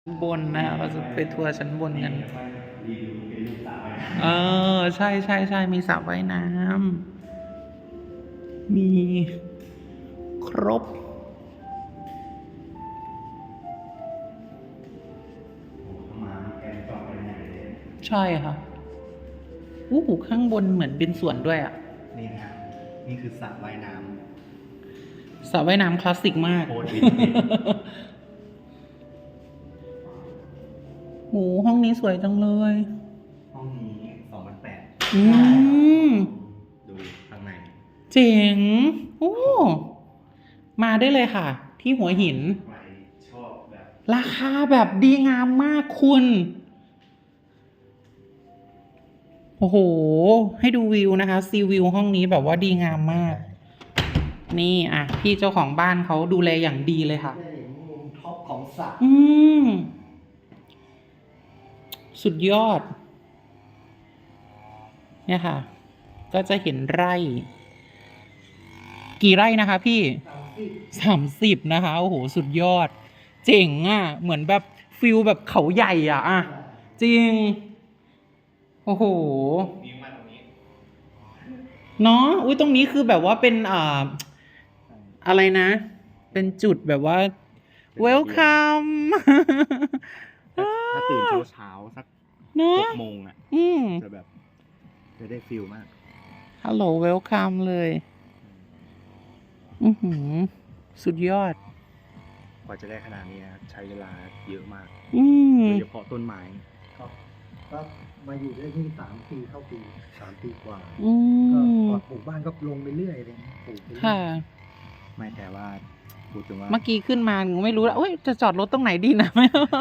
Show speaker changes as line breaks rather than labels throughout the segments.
บนนะเราจะไปทัวร์ชั้นบนกันใช่ใช่ใช่มีสระว่ายน้ำมีครบใช่ค่ะข้างบนเหมือนเป็นสวนด้วยอ่ะ
นี่นะครับนี่คือสระว่ายน้
สระว่ายน้ำคลาสสิกมาก
โคตรวินเทจ
ห้องนี้สวยจังเลย
ห้องนี้2008ดูข้างใน
เจ๋งมาได้เลยค่ะ ที่หัวหิน
ใครชอบแบบ
ราคาแบบดีงามมากคุณโอ้โหให้ดูวิวนะคะซีวิวห้องนี้แบบว่าดีงามมากนี่อ่ะพี่เจ้าของบ้านเขาดูแลอย่างดีเลยค่ะ
มุมท็อปของสระ
สุดยอดเนี่ยค่ะก็จะเห็นไร่กี่ไร่นะคะพี่30นะคะโอ้โหสุดยอดเจ๋งอ่ะเหมือนแบบฟิลแบบเขาใหญ่อ่ะจริงโอ้โห
วิวมาตรงนี้
เนาะตรงนี้คือแบบว่าเป็นอะไรนะเป็นจุดแบบว่า welcome
ถ้าตื่นเช้าสัก6 โมงอ่ะจะแบบจะได้ฟิลมาก
ฮัลโหล welcome เลยสุดยอด
กว่าจะได้ขนาดนี้ใช้เวลาเยอะมากโดยเฉพาะต้นไม้ครับก็มาอยู่ได้ที่3 ปีเข้าปี3 ปีกว่าก็ปลูกบ้านก็ลงไปเรื่อยเลยปลูกไปเรื่อยไม่แต่ว่าพูดถึงว่า
เมื่อกี้ขึ้นมาไม่รู้แล้วจะจอดรถตรงไหนดีนะ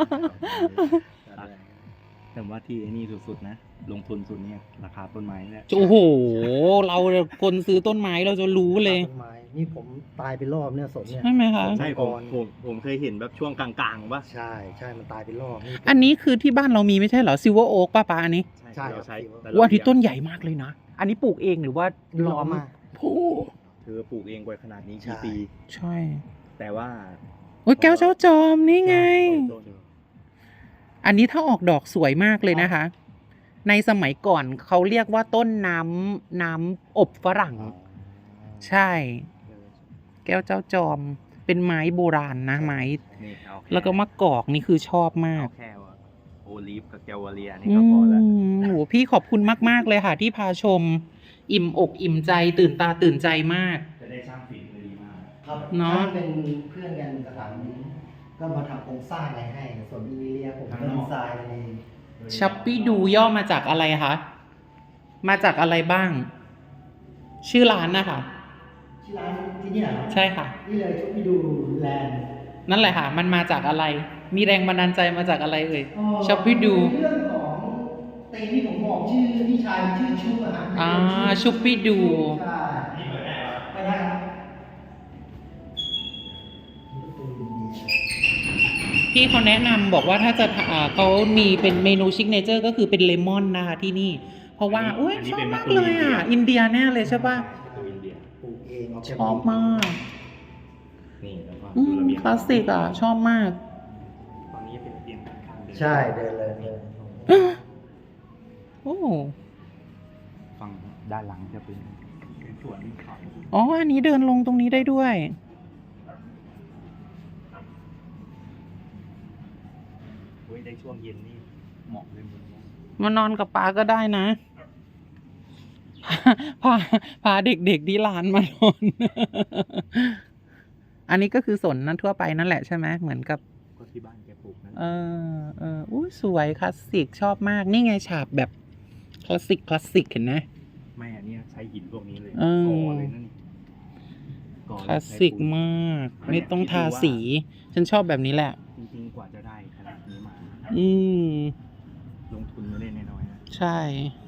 แต่ว่าที่นี่สุดๆนะลงทุนสุดเนี่ยราคาต้นไม้เนี่ย
โอ้โหเราคนซื้อต้นไม้เราจะรู้เลย
ต้นไม้นี่ผมตายไปรอบเนี่ยสนเนี่ย
ใช่ไหมคะ
ใช่ผมเคยเห็นแบบช่วงกลางๆป่ะ
ใช่มันตายไปรอบ
อันนี้คือที่บ้านเรามีไม่ใช่เหรอซิลเวอร์โอ๊กป้าอันนี้
ใช่เราใช้
ว่าที่ต้นใหญ่มากเลยนะอันนี้ปลูกเองหรือว่าล้อม
โอ้
เธอปลูกเองกว่าขนาดนี้กี่ปี
ใช่
แต่ว่า
แก้วเจ้าจอมนี่ไงอันนี้ถ้าออกดอกสวยมากเลยนะคะในสมัยก่อนเขาเรียกว่าต้นน้ำอบฝรั่งใช่แก้วเจ้าจอมเป็นไม้โบราณนะไม้แล้วก็มะกอกนี่คือชอบมาก
แค่ว่าโอลิฟกับแกวาเลียนี่ก็พอแล้ว
โหพี่ขอบคุณมากๆเลยค่ะที่พาชมอิ่มอกอิ่มใจตื่นตาตื่นใจมาก
จะได้สร้างฝีมือดีมาก
ครับเนาะเป็นเพื่อนกันสถาบันก็มาทำโครงสร้างอะไรให้ส่วนอินเดียผมก็ดีไซน์อะไร
ชัปปี้ดูย่อมาจากอะไรคะมาจากอะไรบ้างชื่อร้านนะคะ
ชื่อร้านที่นี่เหรอ
ใช่ค่ะ
นี่เลยชัปปี้ดูแลนด์
นั่นแหละค่ะมันมาจากอะไรมีแรงบันดาลใจมาจากอะไรชัปปี้ดู
เรื่องของเต็นที่ผมบอกชื่อพี่ชายชื่อชุบ
ชัปปี้ดู
ไปได้ครับ
พี่เขาแนะนำบอกว่าถ้าจะเขามีเป็นเมนูซิกเนเจอร์ก็คือเป็นเลมอนนะคะที่นี่เพราะว่าชอบมากเลยอินเดียแน่เลยใช่ป่ะ
ปลูกเอง
ชอบมาก
นี่แล้วก็
คลาสสิกชอบมาก
ตอนนี้เป็นเตียงข้าง
ใช่เดินเลย
ฝั่งด้านหลังจะเป็นสวนเขา
อันนี้เดินลงตรงนี้ได้ด้วย
ได้ช่วงเย็นนี่เหมาะเลย
มานอนกับป้าก็ได้นะพาเด็กๆที่ร้านมานอนอันนี้ก็คือสนนั้นทั่วไปนั่นแหละใช่ไหมเหมือนกับ
ก็ที่บ้านแกปลูกนั่
นสวยคลาสสิกชอบมากนี่ไงฉาบแบบคลาสสิกเห็นไหม
ไม่อันนี้ใช้หินพวกนี้เลย
ก่อ
เลยนั่น
คลาสสิกมากไม่ต้องทาสีฉันชอบแบบนี้แหละ
จริงๆกว่าจะได้ขนาดนี้มาลงทุนไม่ได้น้อยๆนะ
ใช่